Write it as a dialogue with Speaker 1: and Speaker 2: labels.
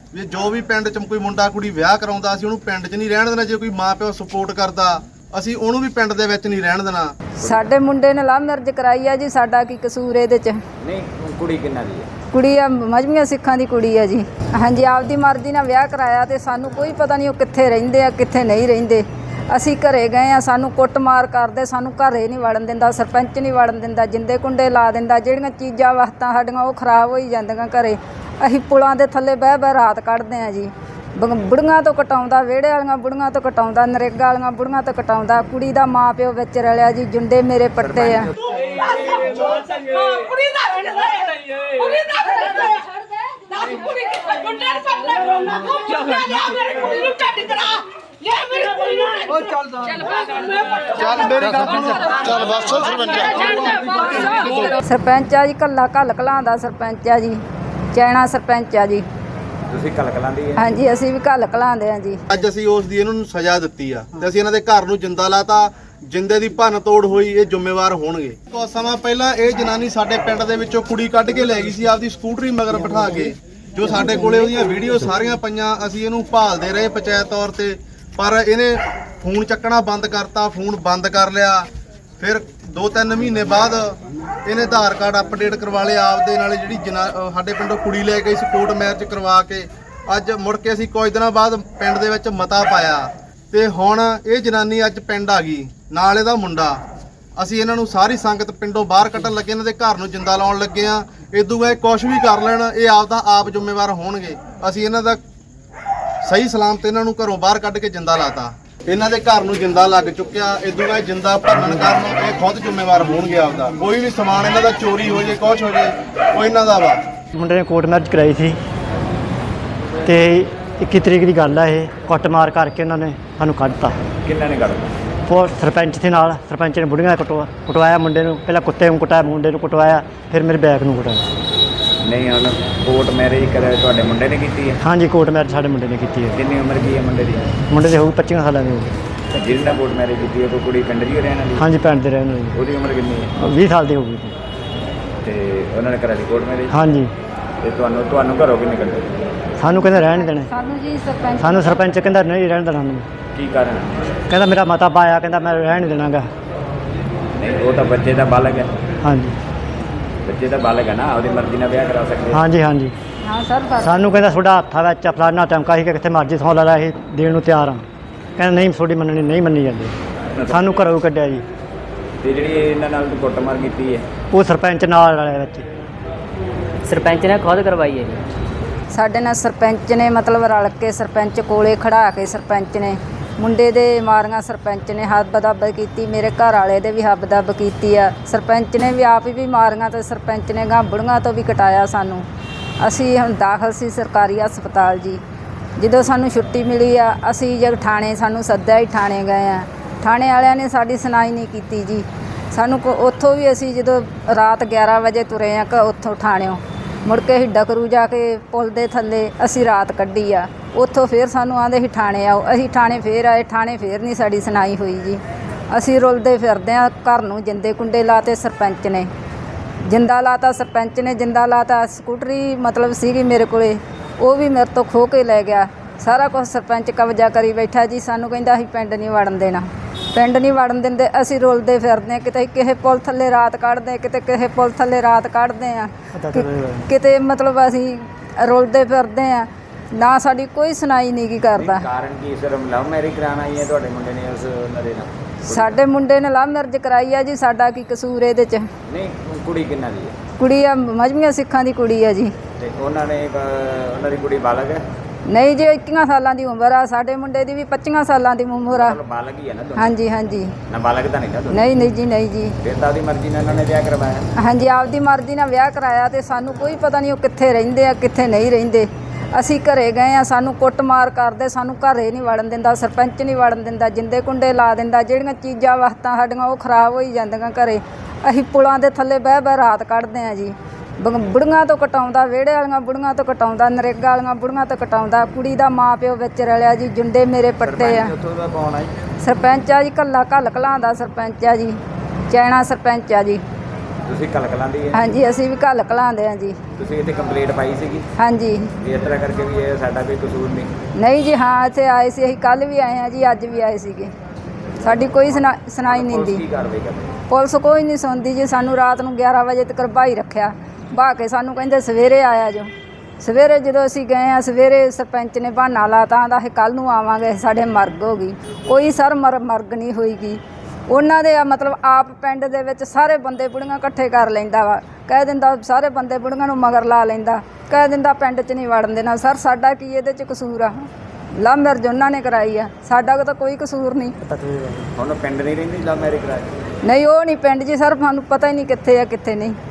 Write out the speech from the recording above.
Speaker 1: ਵੀ ਜੋ ਵੀ ਪਿੰਡ 'ਚ ਕੋਈ ਮੁੰਡਾ ਕੁੜੀ ਵਿਆਹ ਕਰਾਉਂਦਾ ਅਸੀਂ ਉਹਨੂੰ ਪਿੰਡ 'ਚ ਨਹੀਂ ਰਹਿਣ ਦੇਣਾ। ਜੇ ਕੋਈ ਮਾਂ ਪਿਓ ਸਪੋਰਟ ਕਰਦਾ ਅਸੀਂ ਉਹਨੂੰ ਵੀ ਪਿੰਡ ਦੇ ਵਿੱਚ ਨਹੀਂ ਰਹਿਣ ਦੇਣਾ।
Speaker 2: ਸਾਡੇ ਮੁੰਡੇ ਨੇ ਲਵ ਮੈਰਿਜ ਕਰਾਈ ਆ ਜੀ, ਸਾਡਾ ਕੀ ਕਸੂਰ ਇਹਦੇ 'ਚ?
Speaker 3: ਨਹੀਂ, ਕੁੜੀ ਕਿੰਨਾ ਦੀ ਹੈ?
Speaker 2: ਕੁੜੀ ਆ ਮਜ਼੍ਹਬੀਆਂ ਸਿੱਖਾਂ ਦੀ ਕੁੜੀ ਆ ਜੀ। ਹਾਂਜੀ, ਆਪਦੀ ਮਰਜ਼ੀ ਨਾਲ ਵਿਆਹ ਕਰਾਇਆ ਤੇ ਸਾਨੂੰ ਕੋਈ ਪਤਾ ਨਹੀਂ ਉਹ ਕਿੱਥੇ ਰਹਿੰਦੇ ਆ ਕਿੱਥੇ ਨਹੀਂ ਰਹਿੰਦੇ। ਅਸੀਂ ਘਰੇ ਗਏ ਆ, ਸਾਨੂੰ ਕੁੱਟਮਾਰ ਕਰਦੇ, ਸਾਨੂੰ ਘਰੇ ਨਹੀਂ ਵੜਨ ਦਿੰਦਾ, ਸਰਪੰਚ ਨਹੀਂ ਵੜਨ ਦਿੰਦਾ, ਜਿੰਦੇ ਕੁੰਡੇ ਲਾ ਦਿੰਦਾ। ਜਿਹੜੀਆਂ ਚੀਜ਼ਾਂ ਵਸਤਾਂ ਸਾਡੀਆਂ ਉਹ ਖਰਾਬ ਹੋਈ ਜਾਂਦੀਆਂ ਘਰੇ। ਅਸੀਂ ਪੁਲਾਂ ਦੇ ਥੱਲੇ ਬਹਿ ਬਹਿ ਰਾਤ ਕੱਢਦੇ ਆ ਜੀ। ਬੁੜੀਆਂ ਤੋਂ ਕਟਾਉਂਦਾ, ਵਿਹੜੇ ਵਾਲੀਆਂ ਬੁੜੀਆਂ ਤੋਂ ਕਟਾਉਂਦਾ, ਨਰੇਗਾ ਵਾਲੀਆਂ ਬੁੜੀਆਂ ਤੋਂ ਕਟਾਉਂਦਾ। ਕੁੜੀ ਦਾ ਮਾਂ ਪਿਓ ਵਿੱਚ ਰਲਿਆ ਜੀ, ਜੁੰਡੇ ਮੇਰੇ ਪੱਟੇ ਆ। ਸਰਪੰਚ ਆ ਜੀ, ਕੱਲਾ ਘੱਲ ਕਲਾਂ ਦਾ ਸਰਪੰਚ ਆ ਜੀ, ਚੈਣਾ ਸਰਪੰਚ ਆ ਜੀ।
Speaker 3: ਤੁਸੀਂ ਘੱਲ ਕਲਾਂ ਦੀ?
Speaker 2: ਹਾਂਜੀ, ਅਸੀਂ ਵੀ ਘੱਲ ਕਲਾਂਦੇ ਆ ਜੀ।
Speaker 1: ਅੱਜ ਅਸੀਂ ਉਸ ਦੀ ਇਹਨਾਂ ਨੂੰ ਸਜ਼ਾ ਦਿੱਤੀ ਆ ਤੇ ਅਸੀਂ ਇਹਨਾਂ ਦੇ ਘਰ ਨੂੰ ਜਿੰਦਾ ਲਾਤਾ। ਜਿੰਦੇ ਦੀ ਭੰਨ ਤੋੜ ਹੋਈ, ਇਹ ਜ਼ਿੰਮੇਵਾਰ ਹੋਣਗੇ। ਕੁਝ ਸਮਾਂ ਪਹਿਲਾਂ ਇਹ ਜਨਾਨੀ ਸਾਡੇ ਪਿੰਡ ਦੇ ਵਿੱਚੋਂ ਕੁੜੀ ਕੱਢ ਕੇ ਲੈ ਗਈ ਸੀ ਆਪਦੀ ਸਕੂਟਰੀ ਮਗਰ ਬਿਠਾ ਕੇ, ਜੋ ਸਾਡੇ ਕੋਲੇ ਉਹਦੀਆਂ ਵੀਡੀਓ ਸਾਰੀਆਂ ਪਈਆਂ। ਅਸੀਂ ਇਹਨੂੰ ਭਾਲਦੇ ਰਹੇ ਪੰਚਾਇਤ ਤੌਰ ਤੇ, ਪਰ ਇਹਨੇ ਫੋਨ ਚੱਕਣਾ ਬੰਦ ਕਰਤਾ, ਫੋਨ ਬੰਦ ਕਰ ਲਿਆ। ਫਿਰ 2-3 ਮਹੀਨੇ ਬਾਅਦ ਇਹਨੇ ਆਧਾਰ ਕਾਰਡ ਅਪਡੇਟ ਕਰਵਾ ਲਿਆ ਆਪਦੇ ਨਾਲ। ਜਿਹੜੀ ਸਾਡੇ ਪਿੰਡੋਂ ਕੁੜੀ ਲੈ ਗਈ ਸੀ ਕੋਰਟ ਮੈਰਿਜ ਕਰਵਾ ਕੇ। ਅੱਜ ਮੁੜ ਕੇ ਅਸੀਂ ਕੁਝ ਦਿਨਾਂ ਬਾਅਦ ਪਿੰਡ ਦੇ ਵਿੱਚ ਮਤਾ ਪਾਇਆ ਤੇ ਹੁਣ ਇਹ ਜਨਾਨੀ ਅੱਜ ਪਿੰਡ ਆ ਗਈ, ਨਾਲ ਇਹਦਾ ਮੁੰਡਾ। ਅਸੀਂ ਇਹਨਾਂ ਨੂੰ ਸਾਰੀ ਸੰਗਤ ਪਿੰਡੋਂ ਬਾਹਰ ਕੱਢਣ ਲੱਗੇ, ਇਹਨਾਂ ਦੇ ਘਰ ਨੂੰ ਜਿੰਦਾ ਲਾਉਣ ਲੱਗੇ ਆ। ਇਦੋਂ ਇਹ ਕੁਛ ਵੀ ਕਰ ਲੈਣ, ਇਹ ਆਪਦਾ ਆਪ ਜ਼ਿੰਮੇਵਾਰ ਹੋਣਗੇ। ਅਸੀਂ ਇਹਨਾਂ ਦਾ ਸਹੀ ਸਲਾਮਤ ਇਹਨਾਂ ਨੂੰ ਘਰੋਂ ਬਾਹਰ ਕੱਢ ਕੇ ਜਿੰਦਾ ਲਾਤਾ। ਇਹਨਾਂ ਦੇ ਘਰ ਨੂੰ ਜਿੰਦਾ ਲੱਗ ਚੁੱਕਿਆ। ਇਦੋਂ ਇਹ ਜਿੰਦਾ ਭੰਨਣ ਕਾਰਨ ਇਹ ਖੁਦ ਜ਼ਿੰਮੇਵਾਰ ਹੋਣਗੇ ਆਪਦਾ। ਕੋਈ ਵੀ ਸਮਾਨ ਇਹਨਾਂ ਦਾ ਚੋਰੀ ਹੋ ਜੇ, ਕੁਛ ਹੋ ਜੇ, ਉਹ ਇਹਨਾਂ ਦਾ ਵਾ।
Speaker 4: ਮੁੰਡੇ ਨੇ ਕੋਰਟ ਮੈਰਿਜ ਕਰਾਈ ਸੀ ਤੇ 21 ਤਰੀਕ ਦੀ ਗੱਲ ਆ। ਇਹ ਕੁੱਟਮਾਰ ਕਰਕੇ ਉਹਨਾਂ ਨੇ ਸਾਨੂੰ ਕੱਢਤਾ।
Speaker 3: ਕਿੰਨਾ ਨੇ ਕੱਢਤਾ?
Speaker 4: ਫਿਰ ਸਰਪੰਚ ਦੇ ਨਾਲ, ਸਰਪੰਚ ਨੇ ਬੁੜੀਆਂ ਕੁਟਵਾਇਆ ਮੁੰਡੇ ਨੂੰ। ਪਹਿਲਾਂ ਕੁੱਤੇ ਨੂੰ ਕੁਟਾਇਆ, ਮੁੰਡੇ ਨੂੰ ਕੁਟਵਾਇਆ, ਫਿਰ ਮੇਰੇ ਬੈਗ ਨੂੰ ਕੁਟਾਇਆ।
Speaker 3: ਨਹੀਂ, ਹੁਣ ਕੋਰਟ ਮੈਰਿਜ ਕਰਾਇਆ ਤੁਹਾਡੇ ਮੁੰਡੇ ਨੇ ਕੀਤੀ ਹੈ?
Speaker 4: ਹਾਂਜੀ, ਕੋਰਟ ਮੈਰਿਜ ਸਾਡੇ ਮੁੰਡੇ ਨੇ ਕੀਤੀ ਹੈ।
Speaker 3: ਕਿੰਨੀ ਉਮਰ ਕੀ ਹੈ ਮੁੰਡੇ ਦੀ?
Speaker 4: ਮੁੰਡੇ ਦੇ ਹੋਊ 25 ਸਾਲਾਂ ਦੀ ਹੋਊਗੀ।
Speaker 3: ਜਿਹਦੇ ਨਾਲ ਕੋਰਟ ਮੈਰਿਜ ਕੀਤੀ ਹੈ ਕੋਈ ਕੁੜੀ ਪਿੰਡ ਦੀ ਰਹਿਣ ਵਾਲੀ?
Speaker 4: ਹਾਂਜੀ, ਪਿੰਡ ਦੇ ਰਹਿਣ ਵਾਲੀ।
Speaker 3: ਉਹਦੀ ਉਮਰ ਕਿੰਨੀ ਹੈ?
Speaker 4: 20 ਸਾਲ ਦੀ ਹੋਊਗੀ।
Speaker 3: ਤੇ ਉਹਨਾਂ ਨੇ ਕਰਾ ਲਈ ਕੋਰਟ ਮੈਰਿਜ?
Speaker 4: ਹਾਂਜੀ।
Speaker 3: ਤੇ ਤੁਹਾਨੂੰ ਘਰੋਂ ਕਿੰਨੇ ਕੱਢੇ?
Speaker 4: ਸਾਨੂੰ ਕਹਿੰਦਾ ਰਹਿਣ ਨਹੀਂ ਦੇਣਾ।
Speaker 2: ਸਾਨੂੰ
Speaker 4: ਸਰਪੰਚ ਕਹਿੰਦਾ ਨਹੀਂ ਰਹਿਣ ਦੇਣਾ ਸਾਨੂੰ।
Speaker 3: ਕੀ ਕਾਰਨ?
Speaker 4: ਕਹਿੰਦਾ ਮੇਰਾ ਮਤਾ ਪਾਇਆ, ਕਹਿੰਦਾ ਮੈਂ ਰਹਿਣ ਨਹੀਂ ਦੇਣਾਗਾ।
Speaker 3: ਨਹੀਂ, ਉਹ ਤਾਂ ਬੱਚੇ ਦਾ ਬਾਲਗ ਹੈ।
Speaker 4: ਹਾਂਜੀ,
Speaker 3: ਬੱਚੇ ਦਾ ਬਾਲਗ ਹੈ ਨਾ, ਉਹਦੀ ਮਰਜ਼ੀ ਨਾਲ ਵਿਆਹ ਕਰਾ ਸਕਦੇ।
Speaker 4: ਹਾਂਜੀ ਹਾਂਜੀ।
Speaker 2: ਹਾਂ ਸਰ,
Speaker 4: ਸਾਨੂੰ ਕਹਿੰਦਾ ਤੁਹਾਡਾ ਹੱਥਾਂ ਵਿੱਚ ਫਲਾਨਾ ਧਮਕਾ ਸੀ ਕਿ ਕਿੱਥੇ ਮਰਜ਼ੀ ਸੌਂ ਲਾ ਅਸੀਂ ਦੇਣ ਨੂੰ ਤਿਆਰ ਹਾਂ। ਕਹਿੰਦਾ ਨਹੀਂ, ਤੁਹਾਡੀ ਮੰਨਣੀ ਨਹੀਂ ਮੰਨੀ ਜਾਂਦੀ। ਸਾਨੂੰ ਘਰੋਂ ਕੱਢਿਆ ਜੀ।
Speaker 3: ਤੇ ਜਿਹੜੀ ਇਹਨਾਂ ਨਾਲ ਕੁੱਟਮਾਰ ਕੀਤੀ ਹੈ
Speaker 4: ਉਹ ਸਰਪੰਚ ਨਾਲ ਵਾਲੇ ਵਿੱਚ
Speaker 5: ਸਰਪੰਚ ਨੇ ਖੁਦ ਕਰਵਾਈ ਹੈ ਜੀ।
Speaker 2: ਸਾਡੇ ਨਾਲ ਸਰਪੰਚ ਨੇ ਮਤਲਬ ਰਲ ਕੇ, ਸਰਪੰਚ ਕੋਲੇ ਖੜਾ ਕੇ ਸਰਪੰਚ ਨੇ ਮੁੰਡੇ ਦੇ ਮਾਰੀਆਂ। ਸਰਪੰਚ ਨੇ ਹੱਬ-ਦੱਬ ਕੀਤੀ, ਮੇਰੇ ਘਰ ਵਾਲੇ ਦੇ ਵੀ ਹੱਬ-ਦੱਬ ਕੀਤੀ ਆ। ਸਰਪੰਚ ਨੇ ਵੀ ਆਪ ਵੀ ਮਾਰੀਆਂ ਤੇ ਸਰਪੰਚ ਨੇ ਗਾਂ ਬੁੜੀਆਂ ਤੋਂ ਵੀ ਕਟਾਇਆ ਸਾਨੂੰ। ਅਸੀਂ ਹੁਣ ਦਾਖਲ ਸੀ ਸਰਕਾਰੀ ਹਸਪਤਾਲ ਜੀ। ਜਦੋਂ ਸਾਨੂੰ ਛੁੱਟੀ ਮਿਲੀ ਆ, ਅਸੀਂ ਜਦ ਥਾਣੇ ਸਾਨੂੰ ਸੱਦਿਆ ਹੀ ਥਾਣੇ ਗਏ ਆ। ਥਾਣੇ ਵਾਲਿਆਂ ਨੇ ਸਾਡੀ ਸੁਣਾਈ ਨਹੀਂ ਕੀਤੀ ਜੀ। ਸਾਨੂੰ ਉੱਥੋਂ ਵੀ ਅਸੀਂ ਜਦੋਂ ਰਾਤ 11 ਵਜੇ ਤੁਰੇ ਆ ਉੱਥੋਂ ਥਾਣਿਓਂ, ਮੁੜ ਕੇ ਅਸੀਂ ਡਕਰੂ ਜਾ ਕੇ ਪੁਲ ਦੇ ਥੱਲੇ ਅਸੀਂ ਰਾਤ ਕੱਢੀ ਆ। ਉੱਥੋਂ ਫਿਰ ਸਾਨੂੰ ਆਂਦੇ ਸੀ ਥਾਣੇ ਆਓ। ਅਸੀਂ ਥਾਣੇ ਫੇਰ ਆਏ, ਥਾਣੇ ਫੇਰ ਨਹੀਂ ਸਾਡੀ ਸੁਣਾਈ ਹੋਈ ਜੀ। ਅਸੀਂ ਰੁਲਦੇ ਫਿਰਦੇ ਆ। ਘਰ ਨੂੰ ਜਿੰਦੇ ਕੁੰਡੇ ਲਾਤੇ, ਸਰਪੰਚ ਨੇ ਜਿੰਦਾ ਲਾਤਾ, ਸਰਪੰਚ ਨੇ ਜਿੰਦਾ ਲਾਤਾ। ਸਕੂਟਰੀ ਮਤਲਬ ਸੀਗੀ ਮੇਰੇ ਕੋਲੇ, ਉਹ ਵੀ ਮੇਰੇ ਤੋਂ ਖੋਹ ਕੇ ਲੈ ਗਿਆ। ਸਾਰਾ ਕੁਝ ਸਰਪੰਚ ਕਬਜ਼ਾ ਕਰੀ ਬੈਠਾ ਜੀ। ਸਾਨੂੰ ਕਹਿੰਦਾ ਅਸੀਂ ਪਿੰਡ ਨਹੀਂ ਵੜਨ ਦੇਣਾ, ਪਿੰਡ ਨਹੀਂ ਵੜਨ ਦਿੰਦੇ। ਅਸੀਂ ਰੁਲਦੇ ਫਿਰਦੇ ਹਾਂ, ਕਿਤੇ ਕਿਸੇ ਪੁਲ ਥੱਲੇ ਰਾਤ ਕੱਢਦੇ, ਕਿਤੇ ਕਿਸੇ ਪੁਲ ਥੱਲੇ ਰਾਤ ਕੱਢਦੇ ਆ, ਕਿਤੇ ਮਤਲਬ ਅਸੀਂ ਰੁਲਦੇ ਫਿਰਦੇ ਆ। ਨਾ ਸਾਡੀ ਕੋਈ ਸੁਣਾਈ ਨਹੀਂ ਕੀ ਕਰਦਾ।
Speaker 3: ਕਾਰਨ ਕੀ? ਸਿਰਫ ਲਵ ਮੈਰਿਜ ਕਰਾਉਣ ਆਈ ਹੈ ਤੁਹਾਡੇ ਮੁੰਡੇ ਨੇ ਉਸ ਨਰੇ ਨਾਲ?
Speaker 2: ਸਾਡੇ ਮੁੰਡੇ ਨੇ ਲਵ ਮੈਰਿਜ ਕਰਾਈ ਆ ਜੀ, ਸਾਡਾ ਕੀ ਕਸੂਰ ਇਹਦੇ 'ਚ?
Speaker 3: ਨਹੀਂ, ਕੁੜੀ ਕਿੰਨਾ ਦੀ ਹੈ?
Speaker 2: ਕੁੜੀ ਆ ਮਜ਼੍ਹਬੀਆਂ ਸਿੱਖਾਂ ਦੀ ਕੁੜੀ ਆ ਜੀ।
Speaker 3: ਤੇ ਉਹਨਾਂ ਦੀ ਕੁੜੀ ਬਾਲਗ ਹੈ?
Speaker 2: ਨਹੀਂ ਜੀ, 21 ਸਾਲਾਂ ਦੀ ਉਮਰ ਆ। ਸਾਡੇ ਮੁੰਡੇ ਦੀ ਵੀ 25 ਸਾਲਾਂ ਦੀ ਉਮਰ ਆ।
Speaker 3: ਬਾਲਗ ਹੀ ਹੈ ਨਾ ਦੋਨੋਂ?
Speaker 2: ਹਾਂਜੀ ਹਾਂਜੀ।
Speaker 3: ਨਾ ਬਾਲਗ ਤਾਂ ਨਹੀਂ ਨਾ ਦੋਨੋਂ?
Speaker 2: ਨਹੀਂ ਨਹੀਂ ਜੀ, ਨਹੀਂ ਜੀ।
Speaker 3: ਫਿਰ ਤਾਂ ਉਹਦੀ ਮਰਜ਼ੀ ਨਾਲ ਇਹਨਾਂ ਨੇ ਵਿਆਹ ਕਰਵਾਇਆ?
Speaker 2: ਹਾਂਜੀ, ਆਪਦੀ ਮਰਜ਼ੀ ਨਾਲ ਵਿਆਹ ਕਰਾਇਆ ਤੇ ਸਾਨੂੰ ਕੋਈ ਪਤਾ ਨਹੀਂ ਉਹ ਕਿੱਥੇ ਰਹਿੰਦੇ ਆ ਕਿੱਥੇ ਨਹੀਂ ਰਹਿੰਦੇ। ਅਸੀਂ ਘਰੇ ਗਏ ਆ, ਸਾਨੂੰ ਕੁੱਟਮਾਰ ਕਰਦੇ, ਸਾਨੂੰ ਘਰੇ ਨਹੀਂ ਵੜਨ ਦਿੰਦਾ, ਸਰਪੰਚ ਨਹੀਂ ਵੜਨ ਦਿੰਦਾ, ਜਿੰਦੇ ਕੁੰਡੇ ਲਾ ਦਿੰਦਾ। ਜਿਹੜੀਆਂ ਚੀਜ਼ਾਂ ਵਸਤਾਂ ਸਾਡੀਆਂ ਉਹ ਖਰਾਬ ਹੋਈ ਜਾਂਦੀਆਂ ਘਰੇ। ਅਸੀਂ ਪੁਲਾਂ ਦੇ ਥੱਲੇ ਬਹਿ ਬਹਿ ਰਾਤ ਕੱਢਦੇ ਆ ਜੀ। ਬੁੜੀਆਂ ਤੋਂ ਕਟਾਉਂਦਾ, ਵਿਹੜੇ ਵਾਲੀਆਂ ਬੁੜੀਆਂ ਤੋਂ ਕਟਾਉਂਦਾ, ਨਰੇਗਾ ਵਾਲੀਆਂ ਬੁੜੀਆਂ ਤੋਂ ਕਟਾਉਂਦਾ। ਕੁੜੀ ਦਾ ਮਾਂ ਪਿਓ ਵਿੱਚ ਰਲਿਆ ਜੀ, ਜੁੰਡੇ ਮੇਰੇ ਪੱਟੇ ਆ। ਸਰਪੰਚ ਆ ਜੀ, ਕੱਲਾ ਘੱਲ ਕਲਾਂ ਦਾ ਸਰਪੰਚ ਆ ਜੀ, ਚੈਣਾ ਸਰਪੰਚ ਆ ਜੀ।
Speaker 3: ਤੁਸੀਂ ਕਲਕਲਾਂ ਦੀ ਹੈ?
Speaker 2: ਹਾਂਜੀ ਅਸੀਂ ਵੀ ਘੱਲ ਘਲਾਉਂਦੇ ਹਾਂ ਜੀ।
Speaker 3: ਤੁਸੀਂ ਇੱਥੇ ਕੰਪਲੇਂਟ ਪਾਈ ਸੀਗੀ
Speaker 2: ਹਾਂਜੀ
Speaker 3: ਵੀ ਇਸ ਤਰ੍ਹਾਂ ਕਰਕੇ ਵੀ ਇਹ ਸਾਡਾ ਕੋਈ ਕਸੂਰ ਨਹੀਂ?
Speaker 2: ਨਹੀਂ ਜੀ, ਹਾਂ ਇੱਥੇ ਆਏ ਸੀ, ਅਸੀਂ ਕੱਲ ਵੀ ਆਏ ਹਾਂ ਜੀ, ਅੱਜ ਵੀ ਆਏ ਸੀਗੇ, ਸਾਡੀ ਕੋਈ ਸੁਣਾਈ ਨਹੀਂ
Speaker 3: ਪੁਲਿਸ
Speaker 2: ਦੀ।
Speaker 3: ਕੀ ਕਾਰਵਾਈ ਕਰਦੀ?
Speaker 2: ਪੁਲਿਸ ਕੋਈ ਨਹੀਂ ਸੁਣਦੀ ਜੀ। ਸਾਨੂੰ ਰਾਤ ਨੂੰ 11 ਵਜੇ ਤੱਕ ਭਾਈ ਰੱਖਿਆ, ਬਹਾ ਕੇ ਸਾਨੂੰ ਕਹਿੰਦੇ ਸਵੇਰੇ ਆਇਆ ਜੋ। ਸਵੇਰੇ ਜਦੋਂ ਅਸੀਂ ਗਏ ਆ, ਸਵੇਰੇ ਸਰਪੰਚ ਨੇ ਬਹਾਨਾ ਲਾਤਾ, ਆਂਦਾ ਅਸੀਂ ਕੱਲ੍ਹ ਨੂੰ ਆਵਾਂਗੇ, ਸਾਡੇ ਮਰਗ ਹੋ ਗਈ। ਕੋਈ ਸਰ ਮਰਗ ਨਹੀਂ ਹੋਈਗੀ। ਉਹਨਾਂ ਦੇ ਮਤਲਬ ਆਪ ਪਿੰਡ ਦੇ ਵਿੱਚ ਸਾਰੇ ਬੰਦੇ ਬੁੜੀਆਂ ਇਕੱਠੇ ਕਰ ਲੈਂਦਾ ਵਾ, ਕਹਿ ਦਿੰਦਾ ਸਾਰੇ ਬੰਦੇ ਬੁੜੀਆਂ ਨੂੰ ਮਗਰ ਲਾ ਲੈਂਦਾ, ਕਹਿ ਦਿੰਦਾ ਪਿੰਡ 'ਚ ਨਹੀਂ ਵੜਨ ਦੇਣਾ। ਸਰ ਸਾਡਾ ਕੀ ਇਹਦੇ 'ਚ ਕਸੂਰ ਆ? ਲਵ ਮੈਰਿਜ ਉਹਨਾਂ ਨੇ ਕਰਾਈ ਆ, ਸਾਡਾ ਤਾਂ ਕੋਈ ਕਸੂਰ ਨਹੀਂ।
Speaker 3: ਹੁਣ ਪਿੰਡ ਨਹੀਂ ਰਹਿੰਦੀ ਲਵ ਮੈਰਿਜ ਕਰਾ ਕੇ?
Speaker 2: ਨਹੀਂ ਉਹ ਨਹੀਂ ਪਿੰਡ ਜੀ ਸਰ, ਸਾਨੂੰ ਪਤਾ ਹੀ ਨਹੀਂ ਕਿੱਥੇ ਆ ਕਿੱਥੇ ਨਹੀਂ।